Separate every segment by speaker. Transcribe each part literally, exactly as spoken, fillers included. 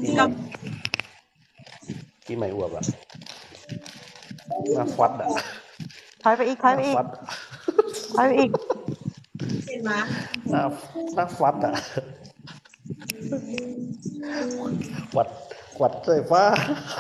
Speaker 1: ปีใหม่ปีใหม่อวบอะหน้าฟัดอะ
Speaker 2: ถอยไปอีกถอยไปอีก
Speaker 1: ฟัด
Speaker 2: ถอยไปอีก
Speaker 3: เห็นไหม
Speaker 1: หน้าหน้าฟัดอะขวัดขวัดสายฟ้า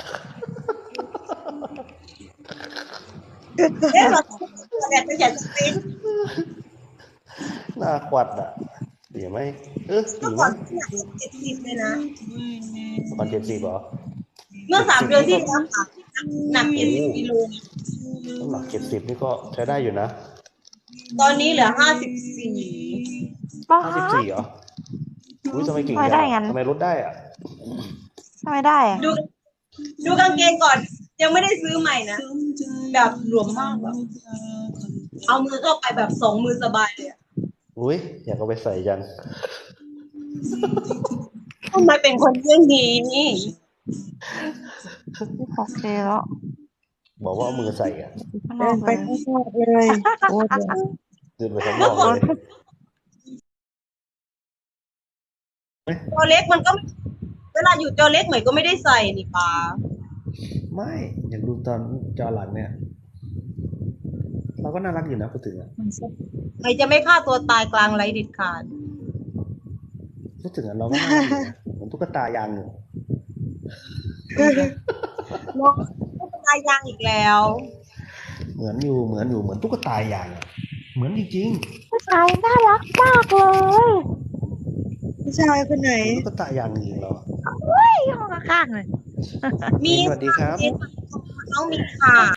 Speaker 3: เอ๊ะเราแต่จะอยากจะเป็น
Speaker 1: หน้าขวัดอะดีไหมเออ
Speaker 3: เมื่
Speaker 1: ดี
Speaker 3: อ
Speaker 1: ไหม
Speaker 3: ก่อนที่หนักเจ็ดสิบเลยนะ
Speaker 1: ตอนเจ็ดสิบเหรอ
Speaker 3: เมื่อสามเดือนที่แล้วค่ะหนักเจ็ดสิบกิโล
Speaker 1: น้ำหนักเจ็ดสิบนี่ก็ใช้ได้อยู่นะ
Speaker 3: ตอนนี้เหลือห้าสิบสี่
Speaker 2: ป้า
Speaker 1: ห้าสิบสี่เหรออุ้ยทำไมเก่ง
Speaker 2: ทำไม
Speaker 1: จั
Speaker 2: ได้
Speaker 1: ง
Speaker 2: งั้น
Speaker 1: ทำไมลดได้อะ
Speaker 2: ทำไมได้อะ
Speaker 3: ดูดูกางเกงก่อน ยังไม่ได้ซื้อใหม่นะ แบบหลวมมากแบบเอามือเข้าไปแบบสองมือสบายเลยอะ
Speaker 1: อุ้ยอยากเอาไปใส่จัง
Speaker 3: ทำไมเป็นคนเรื่องนี้
Speaker 2: โอเคแล้ว
Speaker 1: บอกว่าเอามือใส่อะ
Speaker 2: ข้างนอกเลย
Speaker 4: เลยโอ้ย
Speaker 1: เดินไปข้างนอกเลย
Speaker 3: ตัวเล็กมันก็ เวลาอยู่ตัวเล็กเหมือนก็ไม่ได้ใส่นี่ปา
Speaker 1: ไม่อยากดูตอนจอหลังเนี่ย เราก็น่ารักอยู่นะพูดถึงอะ
Speaker 3: ใครจะไม่ฆ่าตัวตายกลางไรเด็ดขาด
Speaker 1: พูดถึงอะเราก็น่ารักอยู่นะเหมือนตุ๊กตายางอยู่
Speaker 3: น้องตายยางอีกแล้ว
Speaker 1: เหมือนอยู่เหมือนอยู่เหมือนตุ๊กตายางอะเหมือนจริง
Speaker 2: ผู้ชายน่ารักมากเลย
Speaker 4: ผู้ชายคนไหน
Speaker 1: ๆตุ๊กตายางจริงๆเราอะ
Speaker 2: เฮ้ยห้องข้างๆเลย
Speaker 3: มี
Speaker 1: สวัสดีครับ
Speaker 3: น้องมีค่ะ